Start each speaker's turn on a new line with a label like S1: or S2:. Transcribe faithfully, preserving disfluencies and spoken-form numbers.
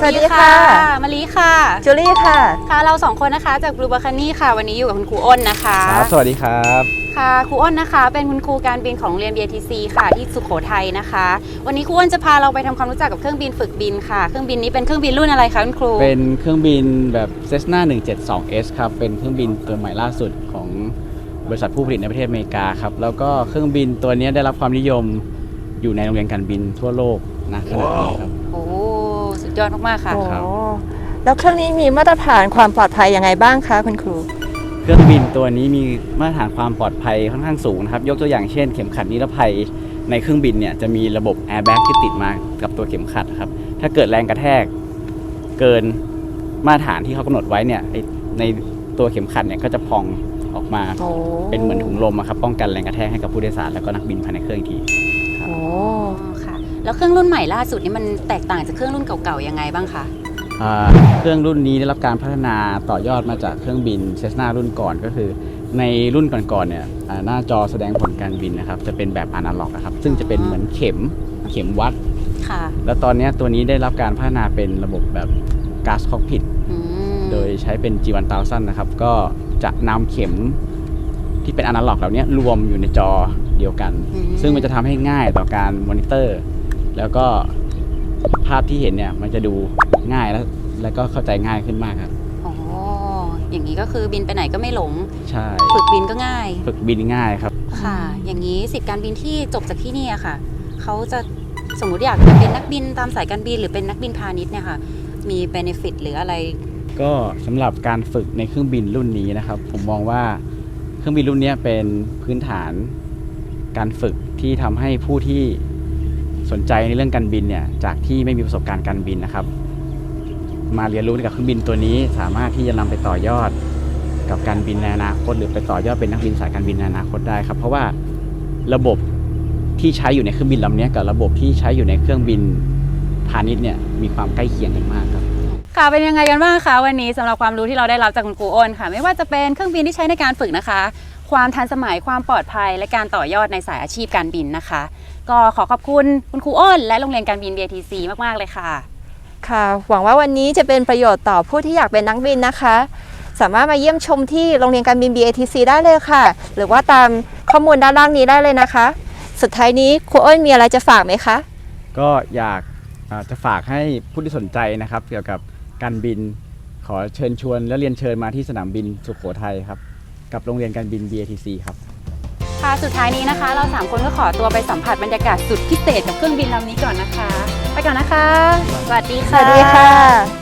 S1: สวัสดีค่ะ
S2: มะลิค่ะ
S1: จูลี่ค่ะ
S2: ค่ะเราสองคนนะคะจาก Blue Balcony ค่ะวันนี้อยู่กับคุณครูอ้นนะคะ
S3: ครับสวัสดีครับ
S2: ค่ะครูอ้นนะคะเป็นคุณครูการบินของโรงเรียน บี เอ ที ซี ค่ะที่สุโขทัยนะคะวันนี้ครูอ้นจะพาเราไปทำความรู้จักกับเครื่องบินฝึกบินค่ะเครื่องบินนี้เป็นเครื่องบินรุ่นอะไรคะคุณครู
S3: เป็นเครื่องบินแบบ Cessna หนึ่งเจ็ดสอง เอส ครับเป็นเครื่องบินตัวใหม่ล่าสุดของบริษัทผู้ผลิตในประเทศอเมริกาครับแล้วก็เครื่องบินตัวนี้ได้รับความนิยมอยู่ในโรงเรียนการบินทั่วโลกนะขณะนี้ครับ
S2: โอ้สุดยอดมากๆค่ะ
S1: ครับแล้วเครื่องนี้มีมาตรฐานความปลอดภัยยังไงบ้างคะคุณครู
S3: เครื่องบินตัวนี้มีมาตรฐานความปลอดภัยค่อนข้างสูงนะครับยกตัวอย่างเช่นเข็มขัดนิรภัยในเครื่องบินเนี่ยจะมีระบบแอร์แบ็กที่ติดมากับตัวเข็มขัดครับถ้าเกิดแรงกระแทกเกินมาตรฐานที่เขากำหนดไว้เนี่ยในตัวเข็มขัดเนี่ยก็จะพองออกมาเป็นเหมือนถุงลมครับป้องกันแรงกระแทกให้กับผู้โดยสารแล้วก็นักบินภายในเครื่องอีกที
S2: โอ้ค่ะแล้วเครื่องรุ่นใหม่ล่าสุดนี่มันแตกต่างจากเครื่องรุ่นเก่าๆยังไงบ้างคะ
S3: เครื่องรุ่นนี้ได้รับการพัฒนาต่อยอดมาจากเครื่องบินเซสนารุ่นก่อนก็คือในรุ่นก่อนๆเนี่ยหน้าจอแสดงผลการบินนะครับจะเป็นแบบอนาล็อกครับซึ่งจะเป็นเหมือนเข็มเข็มวัด
S2: ค่ะ
S3: แล้วตอนนี้ตัวนี้ได้รับการพัฒนาเป็นระบบแบบก๊าซคอกพิทโดยใช้เป็น จี วัน พันนะครับก็จะนำเข็มที่เป็นอนาล็อกเหล่านี้รวมอยู่ในจอเดียวกันซึ่งมันจะทำให้ง่ายต่อการมอนิเตอร์แล้วก็ภาพที่เห็นเนี่ยมันจะดูง่ายแล้วแล้วก็เข้าใจง่ายขึ้นมากครับ
S2: อ๋ออย่างนี้ก็คือบินไปไหนก็ไม่หลง
S3: ใช่
S2: ฝึกบินก็ง่าย
S3: ฝึกบินง่ายครับ
S2: ค่ะอย่างนี้สิทธิการบินที่จบจากที่นี่ค่ะเขาจะสมมุติอยากเป็นนักบินตามสายการบินหรือเป็นนักบินพาณิชย์เนี่ยค่ะมีเบเนฟิตหรืออะไร
S3: ก็สำหรับการฝึกในเครื่องบินรุ่นนี้นะครับผมมองว่าเครื่องบินรุ่นนี้เป็นพื้นฐานการฝึกที่ทำให้ผู้ที่สนใจในเรื่องการบินเนี่ยจากที่ไม่มีประสบการณ์การบินนะครับมาเรียนรู้กับเครื่องบินตัวนี้สามารถที่จะนำไปต่อยอดกับการบินในอนาคตหรือไปต่อยอดเป็นนักบินสายการบินในอนาคตได้ครับเพราะว่าระบบที่ใช้อยู่ในเครื่องบินลำนี้กับระบบที่ใช้อยู่ในเครื่องบินพาณิชย์เนี่ยมีความใกล้เคียงกันมากครับ
S2: ค่ะเป็นยังไงกันบ้างคะวันนี้สำหรับความรู้ที่เราได้รับจากคุณครูอ้นค่ะไม่ว่าจะเป็นเครื่องบินที่ใช้ในการฝึกนะคะความทันสมัยความปลอดภัยและการต่อยอดในสายอาชีพการบินนะคะก็ขอขอบคุณคุณครูอ้นและโรงเรียนการบิน บี เอ ที ซี มากๆเลยค่ะ
S1: ค่ะหวังว่าวันนี้จะเป็นประโยชน์ต่อผู้ที่อยากเป็นนักบินนะคะสามารถมาเยี่ยมชมที่โรงเรียนการบิน บี เอ ที ซี ได้เลยค่ะหรือว่าตามข้อมูลด้านล่างนี้ได้เลยนะคะสุดท้ายนี้ครูอ้นมีอะไรจะฝากไหมคะ
S3: ก็อยากจะฝากให้ผู้ที่สนใจนะครับเกี่ยวกับการบินขอเชิญชวนและเรียนเชิญมาที่สนามบินสุโขทัยครับกับโรงเรียนการบิน บี เอ ที ซี ครับ
S2: ค่ะสุดท้ายนี้นะคะเราสามคนก็ขอตัวไปสัมผัสบรรยากาศสุดพิเศษกับเครื่องบินลำนี้ก่อนนะคะไปก่อนนะคะสวัสดีค่ะ
S1: สวัสดีค่ะ